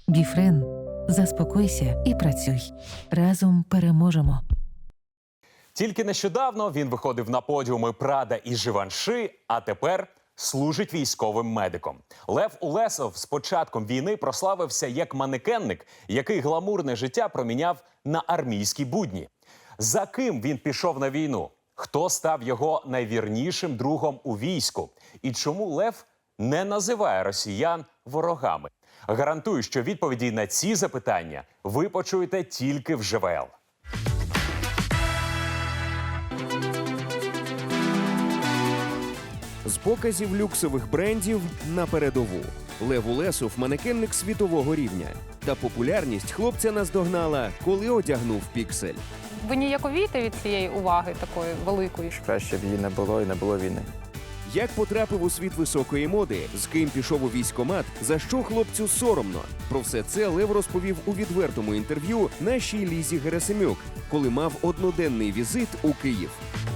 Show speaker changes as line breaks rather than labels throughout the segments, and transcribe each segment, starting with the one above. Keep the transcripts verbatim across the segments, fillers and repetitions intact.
Біфрен. Заспокойся і працюй. Разом переможемо.
Тільки нещодавно він виходив на подіуми Прада і Живанши, а тепер служить військовим медиком. Лев Улесов з початком війни прославився як манекенник, який гламурне життя проміняв на армійські будні. За ким він пішов на війну? Хто став його найвірнішим другом у війську? І чому Лев не називає росіян ворогами? Гарантую, що відповіді на ці запитання ви почуєте тільки в ЖВЛ.
З показів люксових брендів на передову. Лев Улесов – манекенник світового рівня. Та популярність хлопця наздогнала, коли одягнув піксель.
Ви ніяковієте від цієї уваги такої великої?
Краще б її не було і не було війни.
Як потрапив у світ високої моди, з ким пішов у військкомат, за що хлопцю соромно? Про все це Лев розповів у відвертому інтерв'ю нашій Лізі Герасимюк, коли мав одноденний візит у Київ.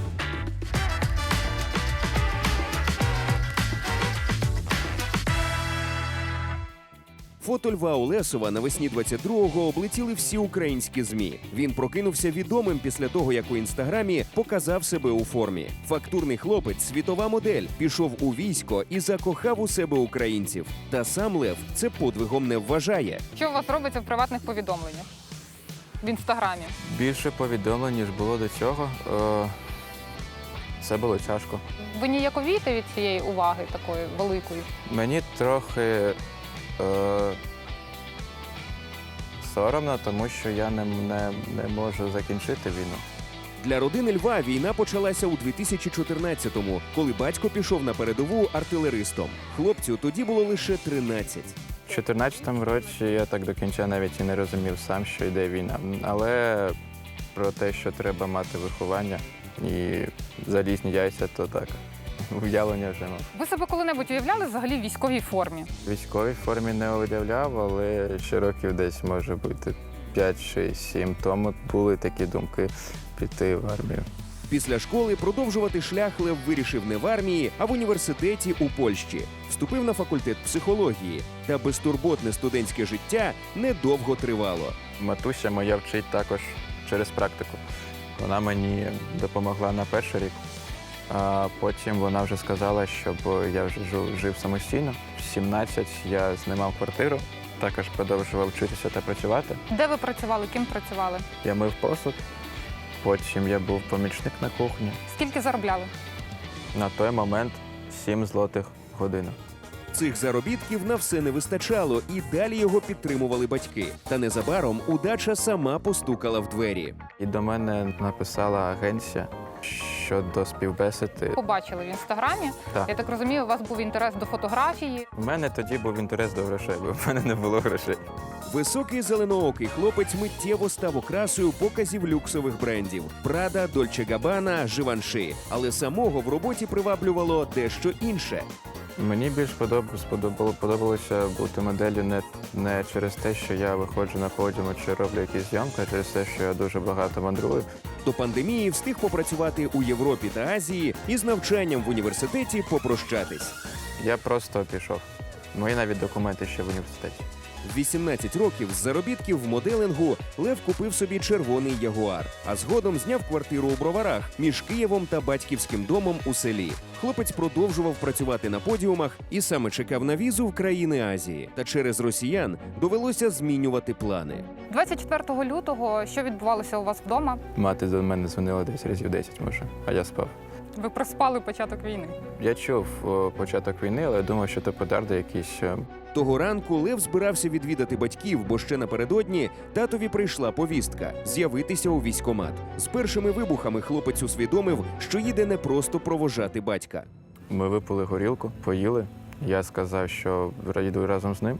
Фото Льва Улесова навесні двадцять другого облетіли всі українські ЗМІ. Він прокинувся відомим після того, як у інстаграмі показав себе у формі. Фактурний хлопець, світова модель, пішов у військо і закохав у себе українців. Та сам Лев це подвигом не вважає.
Що у вас робиться в приватних повідомленнях? В інстаграмі?
Більше повідомлень, ніж було до цього. Е, Це було тяжко.
Ви ніяковієте від цієї уваги такої великої?
Мені трохи е, соромно, тому що я не, не, не можу закінчити війну.
Для родини Льва війна почалася у дві тисячі чотирнадцятому, коли батько пішов на передову артилеристом. Хлопцю тоді було лише тринадцять.
У чотирнадцятому році я так до кінця навіть і не розумів сам, що йде війна. Але про те, що треба мати виховання і залізні яйця, то так, уявлення вже мав.
Ви себе коли-небудь уявляли взагалі в військовій формі?
В військовій формі не уявляв, але ще років десь, може бути, п'ять, шість, сім тому були такі думки піти в армію.
Після школи продовжувати шлях Лев вирішив не в армії, а в університеті у Польщі. Вступив на факультет психології. Та безтурботне студентське життя недовго тривало.
Матуся моя вчить також через практику. Вона мені допомогла на перший рік, а потім вона вже сказала, щоб я вже жив самостійно. В сімнадцять я знімав квартиру, також продовжував вчитися та працювати.
Де ви працювали? Ким працювали?
Я мив посуд, потім я був помічник на кухні.
Скільки заробляли?
На той момент сім злотих година.
Цих заробітків на все не вистачало, і далі його підтримували батьки. Та незабаром удача сама постукала в двері.
І до мене написала агенція щодо співбесіди.
Побачили в інстаграмі.
Так.
Я так розумію, у вас був інтерес до фотографії.
У мене тоді був інтерес до грошей, бо в мене не було грошей.
Високий зеленоокий хлопець миттєво став окрасою показів люксових брендів – Прада, Дольче Габбана, Живанши. Але самого в роботі приваблювало дещо інше.
Мені більш подоб- сподобало, подобалося бути моделлю не, не через те, що я виходжу на подіум чи роблю якісь зйомки, а через те, що я дуже багато мандрую.
До пандемії встиг попрацювати у Європі та Азії і з навчанням в університеті попрощатись.
Я просто пішов. Мої навіть документи ще в університеті.
В вісімнадцять років з заробітків в моделингу Лев купив собі червоний Ягуар, а згодом зняв квартиру у Броварах між Києвом та батьківським домом у селі. Хлопець продовжував працювати на подіумах і саме чекав на візу в країни Азії. Та через росіян довелося змінювати плани.
двадцять четвертого лютого що відбувалося у вас вдома?
Мати до мене дзвонила десь разів десять, може, а я спав.
Ви проспали початок війни.
Я чув о, початок війни, але я думав, що це петарди якісь. е,
Того ранку Лев збирався відвідати батьків, бо ще напередодні татові прийшла повістка – з'явитися у військкомат. З першими вибухами хлопець усвідомив, що їде не просто проводжати батька.
Ми випили горілку, поїли. Я сказав, що їду разом з ним.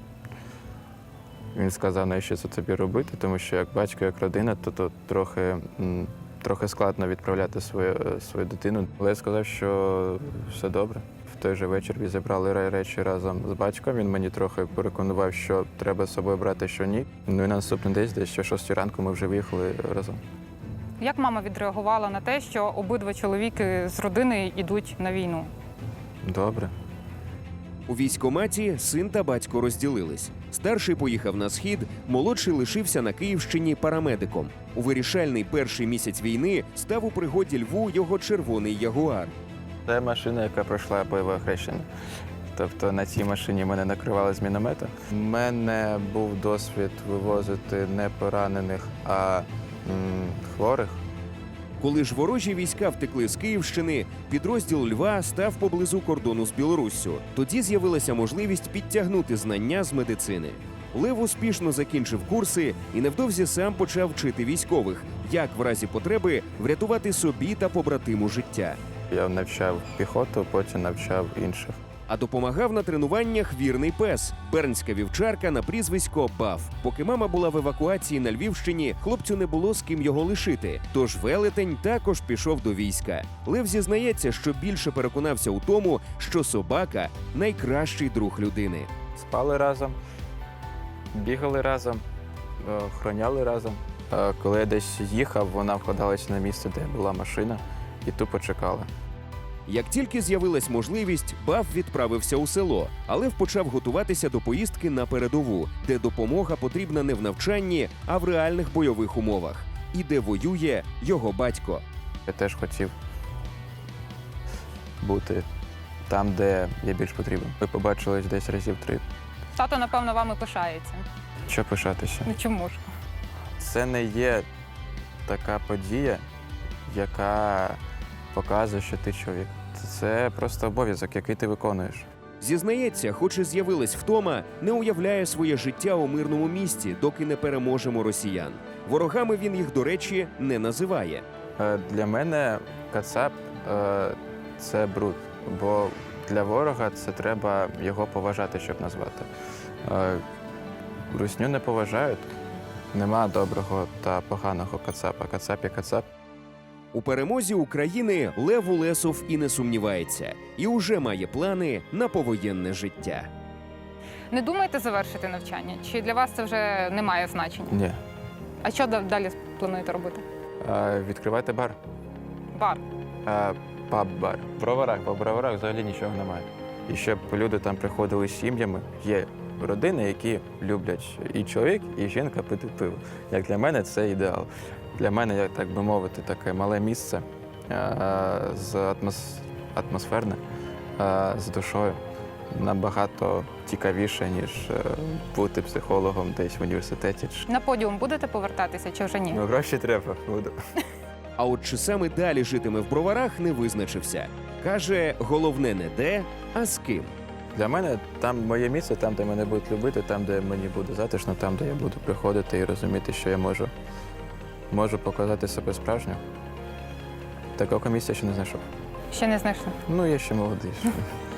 Він сказав, навіщо це тобі робити, тому що як батько, як родина, то, то трохи, м, трохи складно відправляти свою, свою дитину. Але я сказав, що все добре. В той же вечір зібрали речі разом з батьком. Він мені трохи переконував, що треба з собою брати, що ні. Ну і на наступний день, десь о шостій ранку, ми вже виїхали разом.
Як мама відреагувала на те, що обидва чоловіки з родини йдуть на війну?
Добре.
У військкоматі син та батько розділились. Старший поїхав на схід, молодший лишився на Київщині парамедиком. У вирішальний перший місяць війни став у пригоді Льву його червоний ягуар.
Це машина, яка пройшла бойове хрещення. Тобто на цій машині мене накривали з міномета. У мене був досвід вивозити не поранених, а м, хворих.
Коли ж ворожі війська втекли з Київщини, підрозділ Льва став поблизу кордону з Білоруссю. Тоді з'явилася можливість підтягнути знання з медицини. Лев успішно закінчив курси і невдовзі сам почав вчити військових, як в разі потреби врятувати собі та побратиму життя.
Я навчав піхоту, потім навчав інших.
А допомагав на тренуваннях вірний пес – бернська вівчарка на прізвисько Баф. Поки мама була в евакуації на Львівщині, хлопцю не було з ким його лишити. Тож велетень також пішов до війська. Лев зізнається, що більше переконався у тому, що собака – найкращий друг людини.
Спали разом, бігали разом, е, охороняли разом. Е, Коли я десь їхав, вона вкладалася на місце, де була машина, і тупо чекала.
Як тільки з'явилась можливість, Баф відправився у село, але почав готуватися до поїздки на передову, де допомога потрібна не в навчанні, а в реальних бойових умовах. І де воює його батько.
Я теж хотів бути там, де я більш потрібен. Ми побачились десь разів три.
Тато, напевно, вами пишається.
Що пишатися?
Ну чому ж?
Це не є така подія, яка показує, що ти чоловік. Це просто обов'язок, який ти виконуєш.
Зізнається, хоч і з'явилась втома, не уявляє своє життя у мирному місті, доки не переможемо росіян. Ворогами він їх, до речі, не називає.
Е, Для мене кацап е, – це бруд, бо для ворога це треба його поважати, щоб назвати. Е, Русню не поважають. Нема доброго та поганого кацапа. Кацап є кацап.
У перемозі України Лев Улесов і не сумнівається. І уже має плани на повоєнне життя.
Не думаєте завершити навчання? Чи для вас це вже не має значення?
Ні.
А що да- далі плануєте робити?
Е, Відкривайте бар.
Бар.
Е, Паб-бар. В броварах, бо в броварах взагалі нічого немає. І щоб люди там приходили з сім'ями, є родини, які люблять і чоловік, і жінка пити пиво. Як для мене це ідеал. Для мене, як так би мовити, таке мале місце е, з атмос... атмосферне, е, з душою. Набагато цікавіше, ніж е, бути психологом десь в університеті.
На подіум будете повертатися чи вже ні?
Ну, гроші треба, буду.
А от чи саме далі житиме в броварах, не визначився. Каже, головне не де, а з ким.
Для мене там моє місце, там, де мене будуть любити, там, де мені буде затишно, там, де я буду приходити і розуміти, що я можу, можу показати себе справжньо. Такого місця ще не знайшов.
Ще не знайшли.
Ну, я ще молодий.